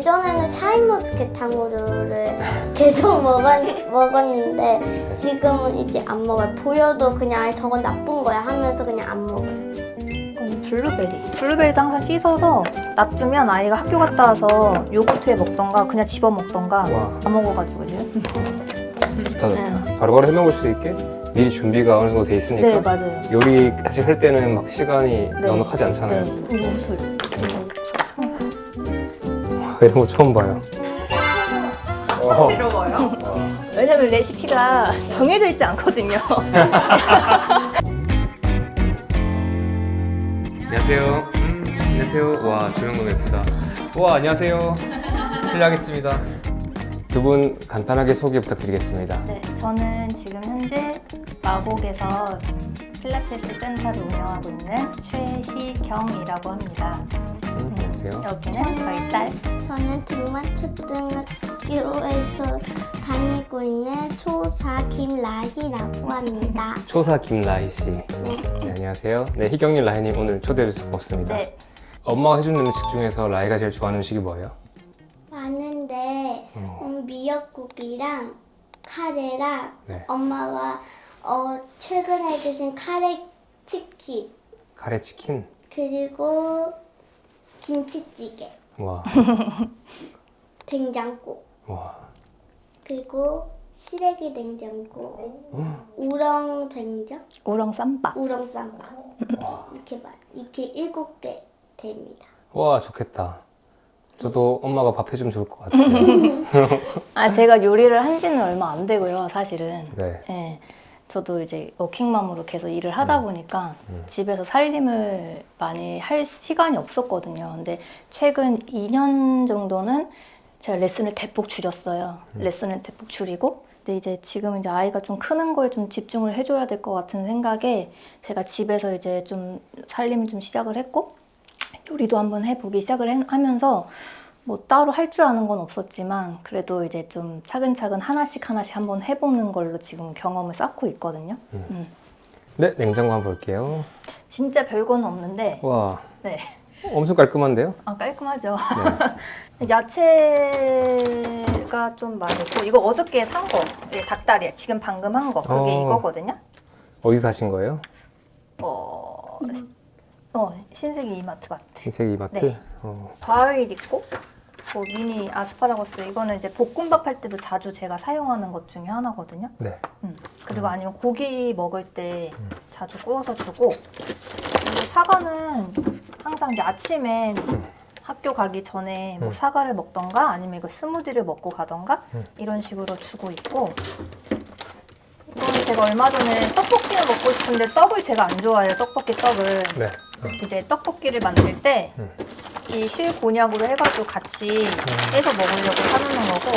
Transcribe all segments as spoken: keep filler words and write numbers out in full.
예전에는 샤인머스켓 탕후루를 계속 먹었, 먹었는데 지금은 이제 안 먹어요. 보여도 그냥 아예 저건 나쁜 거야 하면서 그냥 안 먹어요. 이건 블루베리. 블루베리도 항상 씻어서 놔두면 아이가 학교 갔다 와서 요거트에 먹던가 그냥 집어 먹던가 와. 다 먹어가지고 지금. 좋다 좋다. 바로바로 해먹을 수 있게 미리 준비가 어느 정도 돼 있으니까 네, 맞아요. 요리 사실 할 때는 막 시간이 네. 넉넉하지 않잖아요. 네. 무술. 와, 이런 거 처음 봐요. 어. 새로워요. 왜냐면 레시피가 정해져 있지 않거든요. 안녕하세요. 음, 안녕하세요. 와, 조명 너무 예쁘다. 와, 안녕하세요. 실례하겠습니다. 두 분 간단하게 소개 부탁드리겠습니다. 네, 저는 지금 현재 마곡에서 필라테스 센터를 운영하고 있는 최희경이라고 합니다. 음, 안녕하세요. 여기는 저희 딸. 저는 등만초등학교에서 다니고 있는 초사 김라희라고 합니다. 초사 김라희 씨. 네. 네, 안녕하세요. 네, 희경님, 라희님 오늘 초대해 주셔서 고맙습니다. 네, 엄마가 해주는 음식 중에서 라희가 제일 좋아하는 음식이 뭐예요? 많은데 어. 음, 미역국이랑 카레랑 네. 엄마가 어, 최근에 해주신 카레 치킨 카레 치킨. 그리고 김치찌개, 와, 된장국 와. 그리고 시래기 된장국, 우렁 된장, 우렁 쌈밥. 우렁 쌈밥 이렇게 말 이렇게 일곱 개 됩니다. 와, 좋겠다. 저도 엄마가 밥 해주면 좋을 것 같아요. 아, 제가 요리를 한 지는 얼마 안 되고요, 사실은. 네. 네, 저도 이제 워킹맘으로 계속 일을 하다 보니까 집에서 살림을 많이 할 시간이 없었거든요. 근데 최근 이 년 정도는 제가 레슨을 대폭 줄였어요. 레슨을 대폭 줄이고, 근데 이제 지금 이제 아이가 좀 크는 거에 좀 집중을 해줘야 될 것 같은 생각에 제가 집에서 이제 좀 살림을 좀 시작을 했고, 요리도 한번 해보기 시작을 해- 하면서 뭐 따로 할 줄 아는 건 없었지만 그래도 이제 좀 차근차근 하나씩 하나씩 한번 해보는 걸로 지금 경험을 쌓고 있거든요. 음. 음. 네, 냉장고 한번 볼게요. 진짜 별건 없는데, 와, 네, 엄청 깔끔한데요? 아, 깔끔하죠. 네. 야채가 좀 많고, 이거 어저께 산 거, 네, 닭다리야. 지금 방금 한 거, 그게 어. 이거거든요. 어디서 사신 거예요? 어, 어 신세계 이마트 마트. 신세계 이마트? 네. 어. 과일 있고, 뭐 미니 아스파라거스, 이거는 이제 볶음밥 할 때도 자주 제가 사용하는 것 중에 하나거든요. 네. 음. 그리고 아니면 고기 먹을 때 자주 구워서 주고, 그리고 사과는 항상 이제 아침에 학교 가기 전에 뭐 음. 사과를 먹던가 아니면 이거 스무디를 먹고 가던가 음. 이런 식으로 주고 있고, 이거는 제가 얼마 전에 떡볶이를 먹고 싶은데 떡을 제가 안 좋아해요. 떡볶이 떡을. 네. 이제 떡볶이를 만들 때 음. 이 실곤약으로 해가지고 같이 해서 먹으려고 사놓는 거고,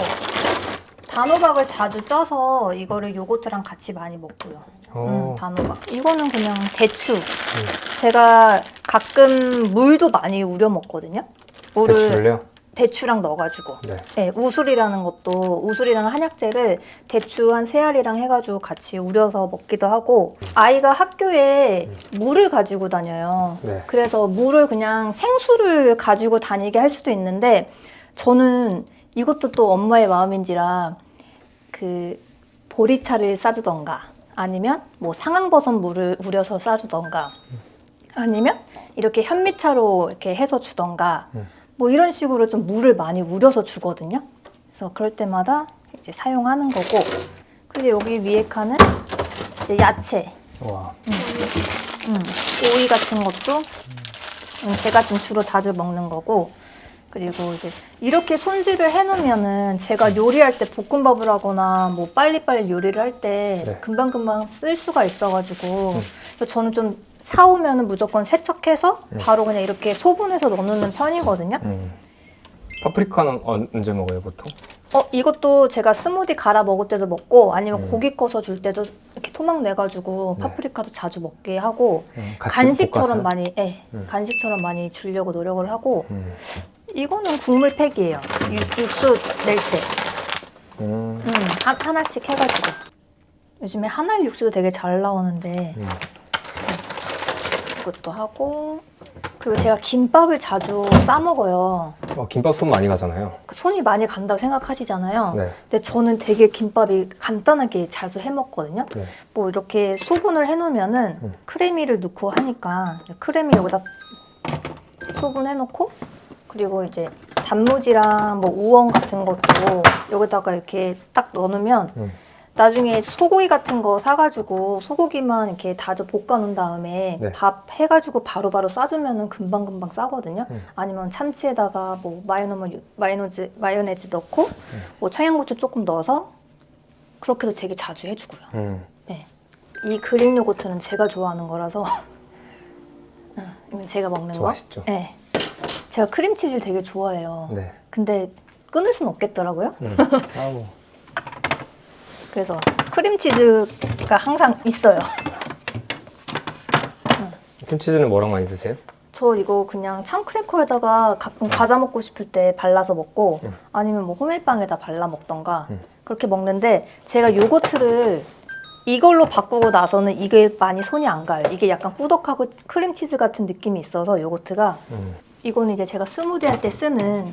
단호박을 자주 쪄서 이거를 요거트랑 같이 많이 먹고요. 어. 음, 단호박. 이거는 그냥 대추. 제가 가끔 물도 많이 우려 먹거든요. 물을 대추를요? 대추랑 넣어가지고. 네. 네, 우술이라는 것도, 우술이라는 한약재를 대추 한 세 알이랑 해가지고 같이 우려서 먹기도 하고, 아이가 학교에 물을 가지고 다녀요. 네. 그래서 물을 그냥 생수를 가지고 다니게 할 수도 있는데, 저는 이것도 또 엄마의 마음인지라 그 보리차를 싸주던가, 아니면 뭐 상황버섯 물을 우려서 싸주던가, 아니면 이렇게 현미차로 이렇게 해서 주던가, 음. 뭐 이런 식으로 좀 물을 많이 우려서 주거든요. 그래서 그럴 때마다 이제 사용하는 거고, 그리고 여기 위에 칸은 이제 야채, 와. 음, 오이 같은 것도 음, 제가 좀 주로 자주 먹는 거고, 그리고 이제 이렇게 손질을 해놓으면은 제가 요리할 때 볶음밥을 하거나 뭐 빨리빨리 요리를 할 때 네. 금방금방 쓸 수가 있어가지고, 그래서 저는 좀 사오면은 무조건 세척해서 바로 그냥 이렇게 소분해서 넣어놓는 편이거든요. 음. 파프리카는 언제 먹어요, 보통? 어, 이것도 제가 스무디 갈아 먹을 때도 먹고, 아니면 음. 고기 꺼서 줄 때도 이렇게 토막 내가지고 네. 파프리카도 자주 먹게 하고, 음, 같이 간식처럼 볶아서요? 많이, 예, 음. 간식처럼 많이 주려고 노력을 하고, 음. 이거는 국물 팩이에요. 육, 육수 낼 때. 음. 음, 하, 하나씩 해가지고. 요즘에 한알 육수도 되게 잘 나오는데, 음. 이것도 하고, 그리고 제가 김밥을 자주 싸 먹어요. 어, 김밥 손 많이 가잖아요. 그 손이 많이 간다고 생각하시잖아요. 네. 근데 저는 되게 김밥이 간단하게 자주 해 먹거든요. 네. 뭐 이렇게 소분을 해놓으면은 음. 크래미를 넣고 하니까 크래미 여기다 소분해놓고 그리고 이제 단무지랑 뭐 우엉 같은 것도 여기다가 이렇게 딱 넣어놓으면 음. 나중에 소고기 같은 거 사가지고 소고기만 이렇게 다져 볶아놓은 다음에 네. 밥 해가지고 바로바로 싸주면은 금방금방 싸거든요. 음. 아니면 참치에다가 뭐 마요네즈, 마요네즈, 마요네즈 넣고 음. 뭐 청양고추 조금 넣어서 그렇게도 되게 자주 해주고요. 음. 네. 이 그릭 요거트는 제가 좋아하는 거라서 응, 이건 제가 먹는 거. 좋아하시죠? 네. 제가 크림치즈를 되게 좋아해요. 네. 근데 끊을 수는 없겠더라고요. 음. 아우. 그래서 크림치즈가 항상 있어요. 크림치즈는 뭐랑 많이 드세요? 저 이거 그냥 참크래커에다가 가끔 과자 먹고 싶을 때 발라서 먹고 음. 아니면 뭐 호밀빵에다 발라 먹던가 음. 그렇게 먹는데 제가 요거트를 이걸로 바꾸고 나서는 이게 많이 손이 안 가요. 이게 약간 꾸덕하고 크림치즈 같은 느낌이 있어서 요거트가 음. 이거는 이제 제가 스무디 할 때 쓰는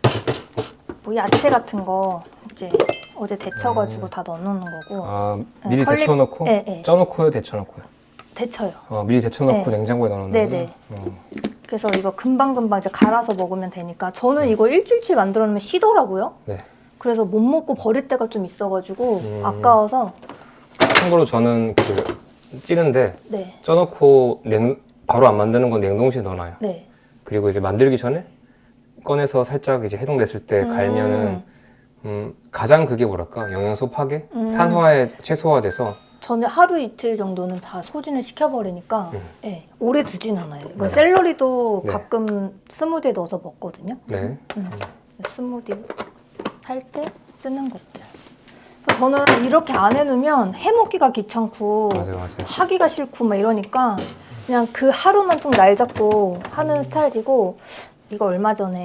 뭐 야채 같은 거 이제 어제 데쳐가지고 다 넣어놓는 거고 아, 네, 미리 컬리- 데쳐놓고? 네, 네. 쪄놓고요? 데쳐놓고요? 데쳐요. 어, 미리 데쳐놓고 네. 냉장고에 넣어놓는 네, 거구나. 네. 어. 그래서 이거 금방금방 이제 갈아서 먹으면 되니까 저는 이거 일주일치 만들어 놓으면 쉬더라고요. 네. 그래서 못 먹고 버릴 때가 좀 있어가지고 음. 아까워서 참고로 저는 그 찌는데 네, 쪄놓고 냉, 바로 안 만드는 건 냉동실에 넣어놔요. 네. 그리고 이제 만들기 전에 꺼내서 살짝 이제 해동됐을 때 음. 갈면은 음, 가장 그게 뭐랄까 영양소 파괴, 음. 산화에 최소화돼서 저는 하루 이틀 정도는 다 소진을 시켜버리니까 음. 네, 오래 두진 않아요. 이거 네. 샐러리도 네. 가끔 스무디에 넣어서 먹거든요. 네. 음. 스무디 할 때 쓰는 것들. 그래서 저는 이렇게 안 해놓으면 해먹기가 귀찮고 맞아요, 맞아요. 하기가 싫고 막 이러니까 그냥 그 하루만 좀 날 잡고 하는 음. 스타일이고 이거 얼마 전에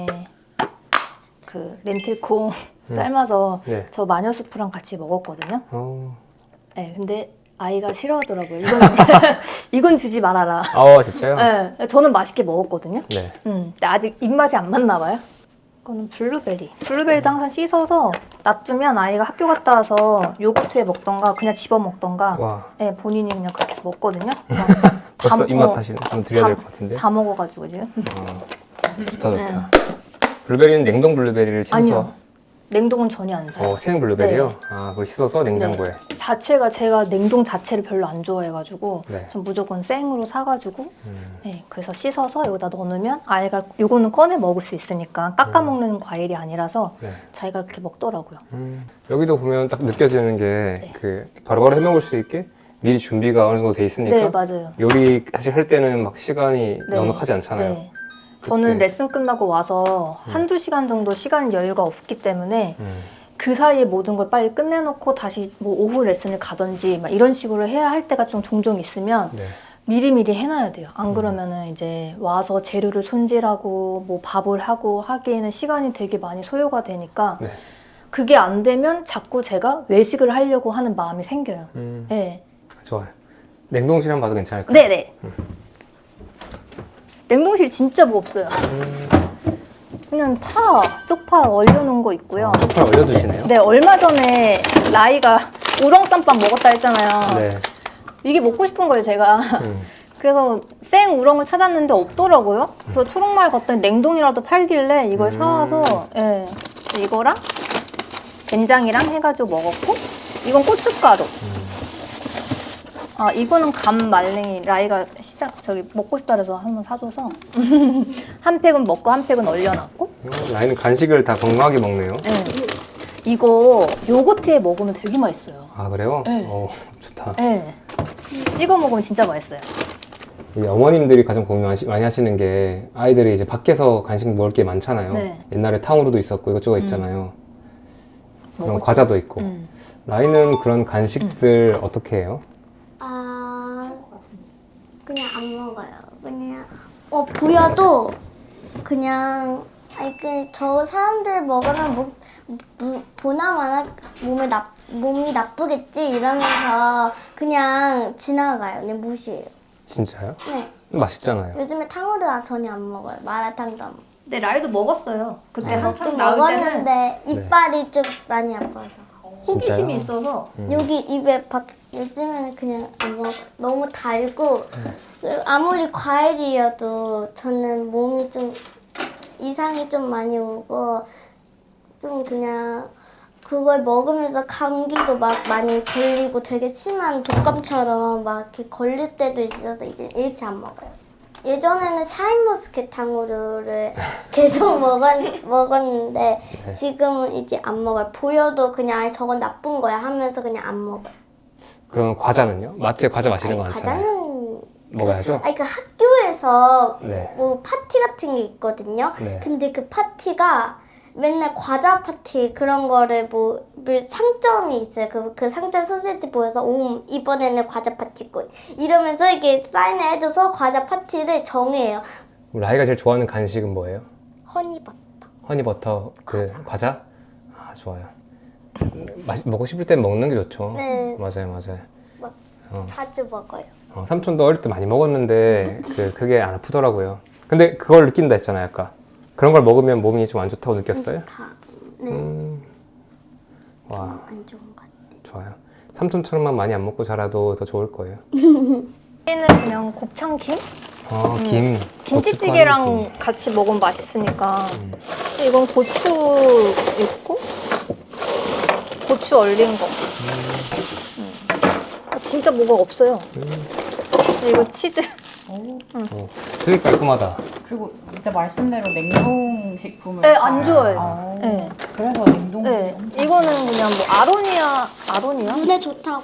그 렌틸콩 음. 삶아서 네. 저 마녀수프랑 같이 먹었거든요. 어. 네, 근데 아이가 싫어하더라고요. 이건 이건 주지 말아라. 아, 진짜요? 네, 저는 맛있게 먹었거든요. 네. 음, 근데 아직 입맛이 안 맞나 봐요. 이거는 블루베리. 블루베리도 항상 씻어서 놔두면 아이가 학교 갔다 와서 요거트에 먹던가 그냥 집어 먹던가 와. 네, 본인이 그냥 그렇게 해서 먹거든요. 벌써 먹- 입맛 어, 다시 좀 드려야 될 것 같은데. 다 먹어가지고 지금. 어. 좋다, 좋다. 블루베리는 냉동 블루베리를 씻어서 아니요. 냉동은 전혀 안 사요. 어, 생 블루베리요? 네. 아, 그걸 씻어서 냉장고에. 네. 자체가 제가 냉동 자체를 별로 안 좋아해가지고 네. 전 무조건 생으로 사가지고 음. 네, 그래서 씻어서 여기다 넣어놓으면 아이가 요거는 꺼내 먹을 수 있으니까 깎아 음. 먹는 과일이 아니라서 네. 자기가 그렇게 먹더라고요. 음. 여기도 보면 딱 느껴지는 게 네. 그 바로바로 해 먹을 수 있게 미리 준비가 어느 정도 돼 있으니까 네, 맞아요. 요리 사실 할 때는 막 시간이 네. 넉넉하지 않잖아요. 네. 저는 그때- 레슨 끝나고 와서 음. 한두 시간 정도 시간 여유가 없기 때문에 음. 그 사이에 모든 걸 빨리 끝내놓고 다시 뭐 오후 레슨을 가든지 막 이런 식으로 해야 할 때가 좀 종종 있으면 네. 미리미리 해놔야 돼요. 음. 안 그러면은 이제 와서 재료를 손질하고 뭐 밥을 하고 하기에는 시간이 되게 많이 소요가 되니까 네. 그게 안 되면 자꾸 제가 외식을 하려고 하는 마음이 생겨요. 음. 네. 좋아요. 냉동실 한번 봐도 괜찮을까요? 음. 네네. 냉동실 진짜 뭐 없어요. 그냥 파, 쪽파 얼려놓은 거 있고요. 아, 쪽파를 얼려두시네요? 네, 얼마 전에 라이가 우렁쌈밥 먹었다 했잖아요. 네. 이게 먹고 싶은 거예요, 제가. 음. 그래서 생 우렁을 찾았는데 없더라고요. 그래서 초록마을 갔더니 냉동이라도 팔길래 이걸 음. 사와서 예, 이거랑 된장이랑 해가지고 먹었고 이건 고춧가루. 아 이거는 감 말랭이 라이가 시작 저기 먹고 싶다 그래서 한번 사줘서 한 팩은 먹고 한 팩은 얼려놨고. 어, 라인은 간식을 다 건강하게 먹네요. 예. 이거 요거트에 먹으면 되게 맛있어요. 아, 그래요? 네. 어, 좋다. 예. 찍어 먹으면 진짜 맛있어요. 이 어머님들이 가장 고민 많이- 많이 하시는 게 아이들이 이제 밖에서 간식 먹을 게 많잖아요. 네. 옛날에 탕후루도 있었고 이것저것 있잖아요. 그런 먹었죠. 과자도 있고. 음. 라인은 그런 간식들 어떻게 해요? 아 그냥 안 먹어요. 그냥 어 보여도 그냥 아니 그저 사람들 먹으면 뭐, 무, 보나마나 몸에 나 몸이 나쁘겠지 이러면서 그냥 지나가요. 그냥 무시해요. 진짜요? 네. 맛있잖아요. 요즘에 탕후루 전혀 안 먹어요. 마라탕도 안 먹어요. 근데 라이도 먹었어요. 그때 먹긴 한참 나올 때는 먹었는데 이빨이 좀 많이 아파서. 호기심이 진짜요? 있어서 여기 입에 박 요즘에는 그냥 안 먹어. 너무 달고 아무리 과일이어도 저는 몸이 좀 이상이 좀 많이 오고 좀 그냥 그걸 먹으면서 감기도 막 많이 걸리고 되게 심한 독감처럼 막 이렇게 걸릴 때도 있어서 이제 일체 안 먹어요. 예전에는 샤인머스켓 탕후루를 계속 먹었, 먹었는데 네. 지금은 이제 안 먹어요. 보여도 그냥 아예 저건 나쁜 거야 하면서 그냥 안 먹어요. 그럼 과자는요? 마트에 과자 마시는 거 아니, 많잖아요. 과자는 먹어야죠? 아니 그 학교에서 네. 뭐 파티 같은 게 있거든요. 네. 근데 그 파티가 맨날 과자 파티 그런 거를 뭐, 뭐 상점이 있어요. 그, 그 상점 소세지 보여서 오 이번에는 과자 파티꾼 이러면서 이렇게 사인을 해줘서 과자 파티를 정해요. 우리 아이가 제일 좋아하는 간식은 뭐예요? 허니버터. 허니버터 그 과자? 아 좋아요. 맛 먹고 싶을 땐 먹는 게 좋죠. 네. 맞아요, 맞아요. 막 어. 자주 먹어요. 어, 삼촌도 어릴 때 많이 먹었는데 그 그게 안 아프더라고요. 근데 그걸 느낀다 했잖아요, 아까. 그런 걸 먹으면 몸이 좀 안 좋다고 느꼈어요? 다. 네. 음. 와, 안 좋은 것 같아요. 좋아요. 삼촌처럼만 많이 안 먹고 자라도 더 좋을 거예요. 얘는 그냥 곱창김? 아, 김. 김치찌개랑 고춧가루 김. 같이 먹으면 맛있으니까. 음. 근데 이건 고추 있고 고추 얼린 거. 음. 아, 진짜 뭐가 없어요. 그래서 이거 치즈. 오, 어, 되게 깔끔하다. 그리고 진짜 말씀대로 냉동식품을 네, 잘- 안 좋아해요. 아, 네. 그래서 냉동식이 네, 엄청 이거는 그냥 뭐 아로니아, 아로니아? 눈에 좋다고.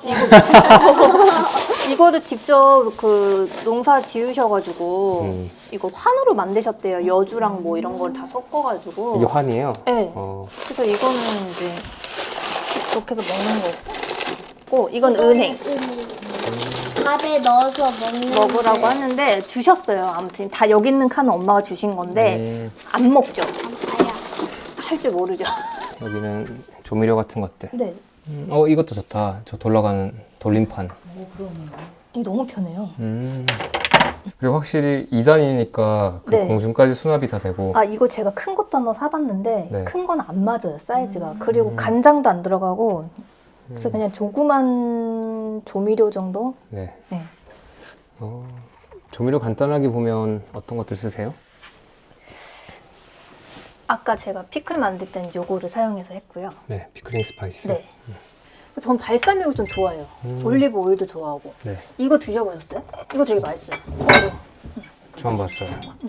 이거를 직접 그 농사 지으셔가지고 음. 이거 환으로 만드셨대요. 여주랑 뭐 이런 걸 다 섞어가지고. 이게 환이에요? 네. 어, 그래서 이거는 이제 이렇게 해서 먹는 거고, 이건 은행 밥에 넣어서 먹는 먹으라고 게 하는데 주셨어요. 아무튼 다 여기 있는 칸은 엄마가 주신 건데 음, 안 먹죠. 아야. 할 줄 모르죠. 여기는 조미료 같은 것들. 네, 음, 어, 이것도 좋다. 저 돌아가는 돌림판. 오, 그러네요. 이게 너무 편해요. 음. 그리고 확실히 이 단이니까 그 네. 공중까지 수납이 다 되고. 아, 이거 제가 큰 것도 한번 사봤는데 네. 큰 건 안 맞아요, 사이즈가. 음. 그리고 음. 간장도 안 들어가고 그래서 음. 그냥 조그만 조미료 정도? 네. 네. 어, 조미료 간단하게 보면 어떤 것들 쓰세요? 아까 제가 피클 만들 때는 요거를 사용해서 했고요. 네, 피클링 스파이스. 네. 전 발사믹을 좀 좋아해요. 음. 올리브 오일도 좋아하고. 네, 이거 드셔보셨어요? 이거 되게 맛있어요. 이거. 처음 봤어요. 음.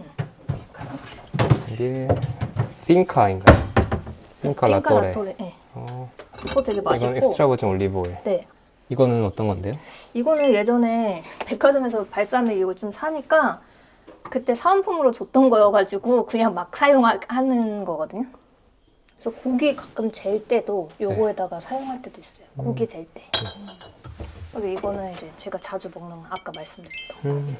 이게 핑카인가요? 핑카 핑카 라또레. 라토레. 네. 어, 그거 되게 이건 맛있고. 엑스트라 버진 올리브 오일. 네. 이거는 어떤 건데요? 이거는 예전에 백화점에서 발사믹 이거 좀 사니까 그때 사은품으로 줬던 거여가지고 그냥 막 사용하는 거거든요. 그래서 고기 가끔 젤 때도 요거에다가 사용할 때도 있어요. 고기 젤 때. 그리고 이거는 이제 제가 자주 먹는 아까 말씀드렸던 음,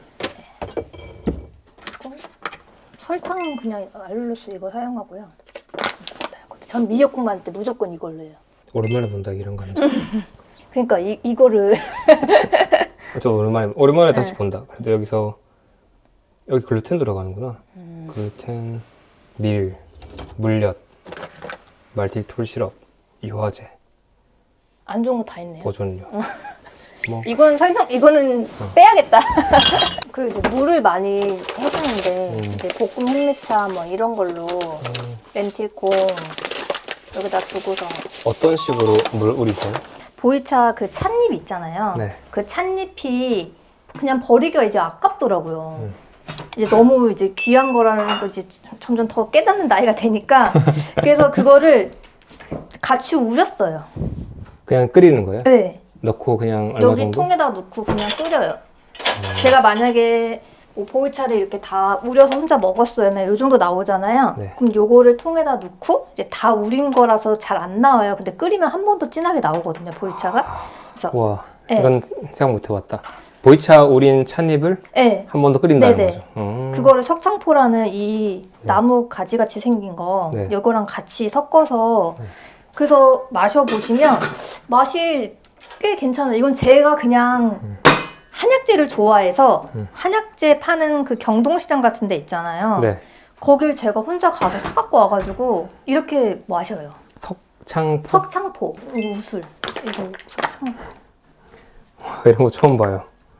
거. 설탕은 그냥 알룰로스 이거 사용하고요. 전 미역국 만들 때 무조건 이걸로 해요. 오랜만에 본다 이런 거는. 그러니까 이, 이거를 저 오랜만에 오랜만에 다시 네. 본다. 그래도 여기서 여기 글루텐 들어가는구나. 음. 글루텐, 밀, 물엿, 말티톨 시럽, 유화제, 안 좋은 거 다 있네요. 보존료. 뭐 이건 설명, 이거는 빼야겠다. 그리고 이제 물을 많이 해주는데, 음. 이제 볶음 흑미차 뭐 이런 걸로 음, 렌틸콩 여기다 두고서. 어떤 식으로 물 우리세요? 보이차 그 찻잎 있잖아요. 네. 그 찻잎이 그냥 버리기가 이제 아깝더라고요. 음. 이제 너무 이제 귀한 거라는 걸 이제 점점 더 깨닫는 나이가 되니까. 그래서 그거를 같이 우렸어요. 그냥 끓이는 거예요? 네. 넣고 그냥 얼마 여기 정도? 통에다 넣고 그냥 끓여요. 제가 만약에 뭐 보이차를 이렇게 다 우려서 혼자 먹었어요. 이 정도 나오잖아요. 네. 그럼 요거를 통에다 넣고 이제 다 우린 거라서 잘 안 나와요. 근데 끓이면 한 번 더 진하게 나오거든요. 보이차가. 그래서 와, 네. 이건 생각 못 해봤다. 보이차 우린 찻잎을 네. 한 번 더 끓인다는 네네. 거죠. 음. 그거를 석창포라는 이 나무 가지같이 생긴 거 네. 이거랑 같이 섞어서 네. 그래서 마셔보시면 맛이 꽤 괜찮아요. 이건 제가 그냥 음. 한약재를 좋아해서 음. 한약재 파는 그 경동시장 같은 데 있잖아요. 네. 거길 제가 혼자 가서 사갖고 와가지고 이렇게 마셔요. 석창포 석창포, 우술. 이거 석창포. 이런 거 처음 봐요.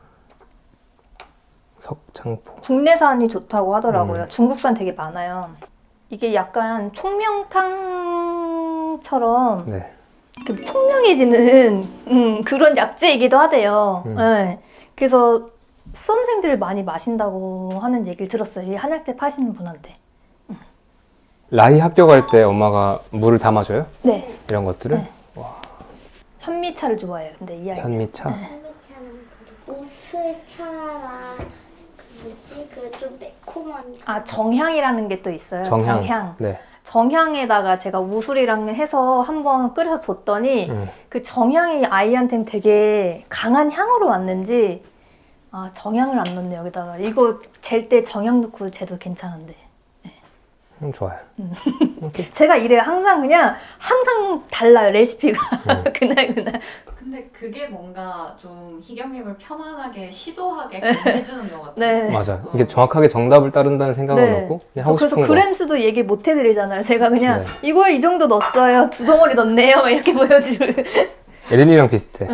석창포. 국내산이 좋다고 하더라고요. 음. 중국산 되게 많아요. 이게 약간 총명탕처럼 네. 그 총명해지는 음, 그런 약재이기도 하대요. 음. 네. 그래서 수험생들을 많이 마신다고 하는 얘기를 들었어요. 이 한약재 파시는 분한테. 라희 학교 갈 때 엄마가 물을 담아줘요? 네. 이런 것들을? 네. 현미차를 좋아해요. 근데 이 아이. 현미차? 현미차는 그리고 우스차랑 그 뭐지 그 좀 매콤한 아 정향이라는 게 또 있어요. 정향. 정향. 네. 정향에다가 제가 우술이랑 해서 한번 끓여서 줬더니 음. 그 정향이 아이한테는 되게 강한 향으로 왔는지 아 정향을 안 넣네 여기다가 이거 잴 때 정향 넣고 재도 괜찮은데 음, 좋아요. 제가 이래요. 항상 그냥 항상 달라요 레시피가 음. 그날 그날. 근데 그게 뭔가 좀 희경님을 편안하게 시도하게 해주는 것 같아요. 네. 맞아. 이게 정확하게 정답을 따른다는 생각은 네. 없고 그냥 저 하고 그래서 싶은 거. 그램수도 얘기 못 해드리잖아요. 제가 그냥 네. 이거에 이 정도 넣었어요. 두 덩어리 넣었네요. 이렇게 보여주고. 에린이랑 비슷해.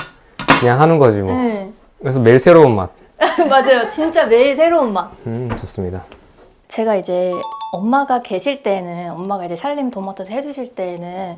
그냥 하는 거지 뭐. 네. 그래서 매일 새로운 맛. 맞아요. 진짜 매일 새로운 맛. 음, 좋습니다. 제가 이제 엄마가 계실 때는 엄마가 이제 샬림 도마토스 해주실 때는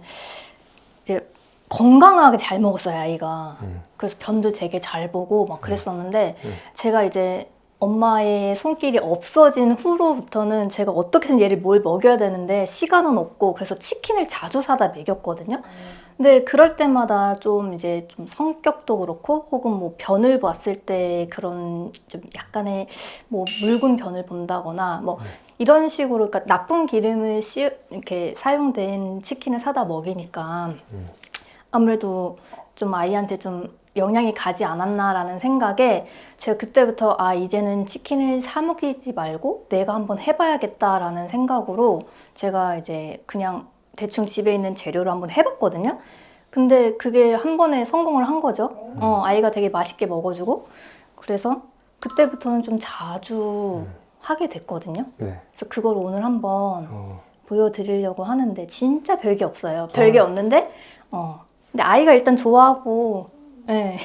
이제 건강하게 잘 먹었어요 아이가. 음. 그래서 변도 되게 잘 보고 막 그랬었는데 음. 제가 이제 엄마의 손길이 없어진 후로부터는 제가 어떻게든 얘를 뭘 먹여야 되는데 시간은 없고 그래서 치킨을 자주 사다 먹였거든요. 근데 그럴 때마다 좀 이제 좀 성격도 그렇고 혹은 뭐 변을 봤을 때 그런 좀 약간의 뭐 묽은 변을 본다거나 뭐 이런 식으로 그러니까 나쁜 기름을 씌 이렇게 사용된 치킨을 사다 먹이니까 음. 아무래도 좀 아이한테 좀 영향이 가지 않았나라는 생각에 제가 그때부터 아 이제는 치킨을 사 먹이지 말고 내가 한번 해봐야겠다라는 생각으로 제가 이제 그냥 대충 집에 있는 재료로 한번 해봤거든요. 근데 그게 한 번에 성공을 한 거죠. 어, 아이가 되게 맛있게 먹어주고 그래서 그때부터는 좀 자주 하게 됐거든요. 네. 그래서 그걸 오늘 한번 어. 보여드리려고 하는데 진짜 별게 없어요. 별게 없는데 어 근데 아이가 일단 좋아하고 네.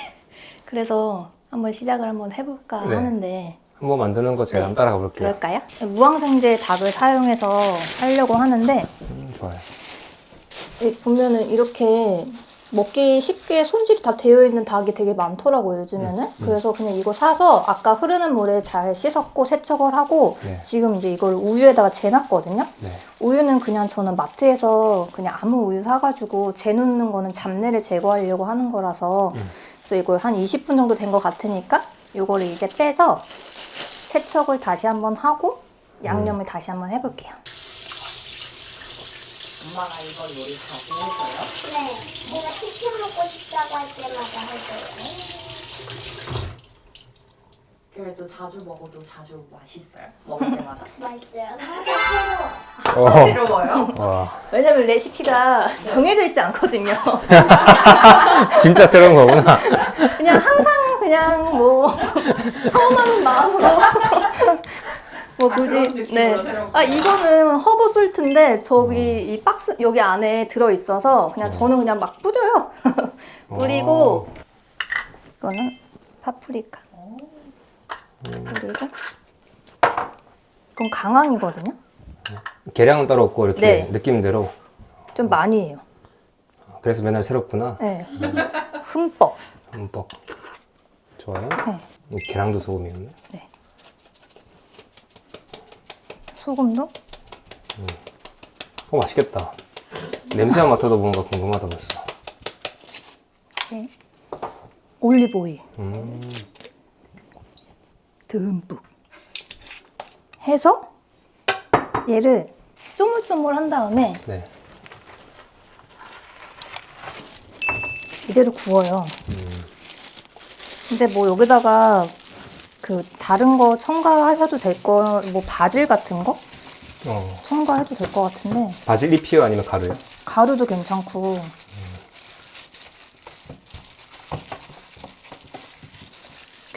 그래서 한번 시작을 한번 해볼까 네. 하는데 한번 만드는 거 제가 네. 한번 따라가 볼게요. 그럴까요? 무항생제 닭을 사용해서 하려고 하는데 음, 좋아요. 이 보면은 이렇게 먹기 쉽게 손질이 다 되어 있는 닭이 되게 많더라고요 요즘에는. 음, 음. 그래서 그냥 이거 사서 아까 흐르는 물에 잘 씻었고 세척을 하고 네. 지금 이제 이걸 우유에다가 재놨거든요. 네. 우유는 그냥 저는 마트에서 그냥 아무 우유 사가지고 재놓는 거는 잡내를 제거하려고 하는 거라서 음. 그래서 이걸 한 이십 분 정도 된 것 같으니까 이거를 이제 빼서 세척을 다시 한번 하고 양념을 다시 한번 해볼게요. 엄마가 이거 요리 자주 해줘요? 네, 제가 치킨 먹고 싶다고 할 때마다 해줘요. 그래도 자주 먹어도 자주 맛있어요? 먹을 때마다? 맛있어요. 항상 새로워. 어. 새로워요? 와, 왜냐면 레시피가 정해져 있지 않거든요. 진짜 새로운 거구나. 그냥 항상 그냥 뭐 처음 하는 마음으로 뭐 그런 굳이 느낌으로 네. 새로운 아 이거는 허브 솔트인데 저기 이 박스 여기 안에 들어 있어서 그냥 저는 그냥 막 뿌려요. 뿌리고 이거는 파프리카 그리고 이건 강황이거든요. 계량은 따로 없고 이렇게 네. 느낌대로. 좀 많이 해요. 그래서 맨날 새롭구나. 네. 흠뻑. 흠뻑. 좋아요. 네. 이 계량도 소금이었네. 소금도 어, 맛있겠다. 냄새만 맡아도 뭔가 궁금하다 벌써. 네. 올리브 오일 음. 듬뿍 해서 얘를 쪼물쪼물한 다음에 네. 이대로 구워요. 음. 근데 뭐 여기다가 그 다른 거 첨가하셔도 될 거, 뭐 바질 같은 거 어. 첨가해도 될 것 같은데 바질 잎이요 아니면 가루요? 가루도 괜찮고.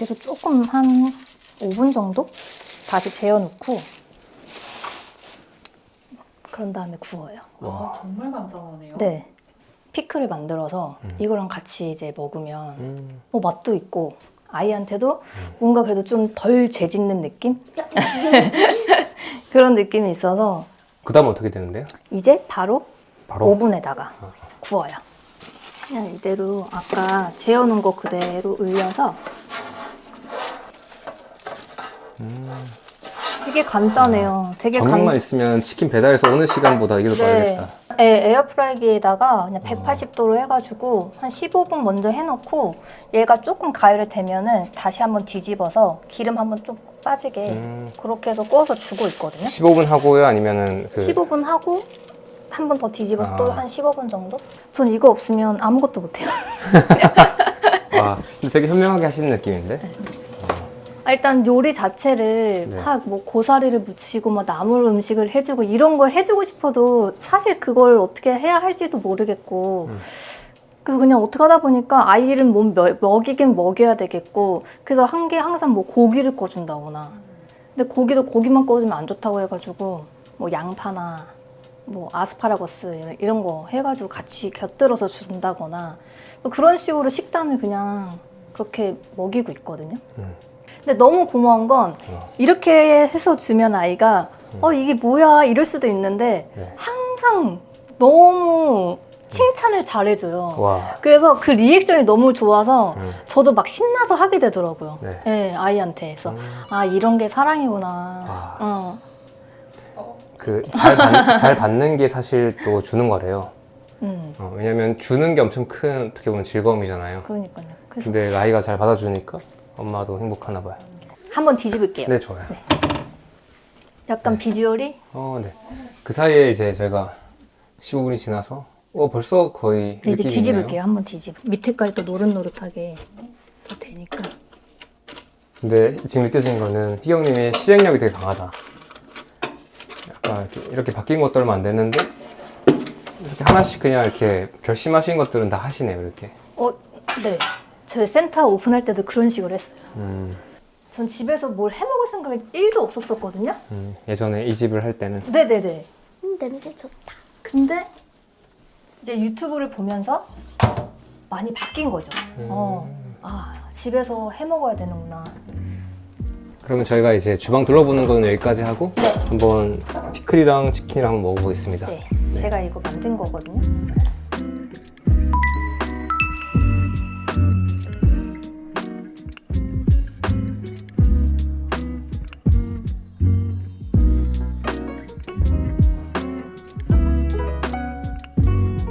그래서 조금 한 오 분 정도 다시 재워놓고 그런 다음에 구워요. 아, 정말 간단하네요. 네. 피클을 만들어서 음. 이거랑 같이 이제 먹으면 음. 뭐 맛도 있고 아이한테도 뭔가 그래도 좀 덜 죄짓는 느낌? 그런 느낌이 있어서 그 다음 어떻게 되는데요? 이제 바로, 바로 오븐에다가 구워요. 그냥 이대로 아까 재워놓은 거 그대로 올려서 되게 간단해요. 되게 전망만 간... 있으면 치킨 배달해서 오는 시간보다 이게 더 빠르겠다. 네, 에어프라이기에다가 그냥 백팔십 도로 해가지고 한 십오 분 먼저 해놓고 얘가 조금 가열이 되면은 다시 한번 뒤집어서 기름 한번 좀 빠지게 음. 그렇게 해서 구워서 주고 있거든요. 십오 분 하고요? 아니면은 그 십오 분 하고 한 번 더 뒤집어서 아. 또 한 십오 분 정도? 전 이거 없으면 아무것도 못해요. 와, 근데 되게 현명하게 하시는 느낌인데? 아, 일단 요리 자체를 네. 막 뭐 고사리를 묻히고 막 나물 음식을 해주고 이런 걸 해주고 싶어도 사실 그걸 어떻게 해야 할지도 모르겠고 음. 그래서 그냥 어떻게 하다 보니까 아이를 뭐 먹- 먹이긴 먹여야 되겠고 그래서 한 게 항상 뭐 고기를 꺼준다거나 근데 고기도 고기만 꺼주면 안 좋다고 해가지고 뭐 양파나 뭐 아스파라거스 이런- 이런 거 해가지고 같이 곁들여서 준다거나 뭐 그런 식으로 식단을 그냥 그렇게 먹이고 있거든요. 음. 근데 너무 고마운 건 어. 이렇게 해서 주면 아이가 어 이게 뭐야 이럴 수도 있는데 네. 항상 너무 칭찬을 잘해줘요. 와. 그래서 그 리액션이 너무 좋아서 음. 저도 막 신나서 하게 되더라고요. 네. 네, 아이한테. 그래서 음. 아 이런 게 사랑이구나. 아. 어. 그 잘 받, 잘 받는 게 사실 또 주는 거래요. 음, 어, 왜냐면 주는 게 엄청 큰 어떻게 보면 즐거움이잖아요. 그러니까요. 그래서 근데 아이가 잘 받아주니까 엄마도 행복하나 봐요. 한번 뒤집을게요. 네, 좋아요. 약간 비주얼이 어, 네. 그 사이에 이제 저희가 십오 분이 지나서 어 벌써 거의 네, 이제 느낌이 뒤집을게요. 있네요. 한번 뒤집. 밑에까지 또 노릇노릇하게 또 되니까. 근데 지금 느껴지는 거는 희경님의 실행력이 되게 강하다. 약간 이렇게, 이렇게 바뀐 것도 얼마 안 됐는데 이렇게 하나씩 그냥 이렇게 결심하신 것들은 다 하시네요, 이렇게. 어, 네. 저희 센터 오픈할 때도 그런 식으로 했어요. 음, 전 집에서 뭘 해먹을 생각이 일도 없었었거든요. 음, 예전에 이 집을 할 때는 네네네. 음, 냄새 좋다. 근데 이제 유튜브를 보면서 많이 바뀐 거죠. 음. 어, 아 집에서 해먹어야 되는구나. 그러면 저희가 이제 주방 둘러보는 거는 여기까지 하고 한번 피클이랑 치킨이랑 한번 먹어보겠습니다. 네, 제가 이거 만든 거거든요.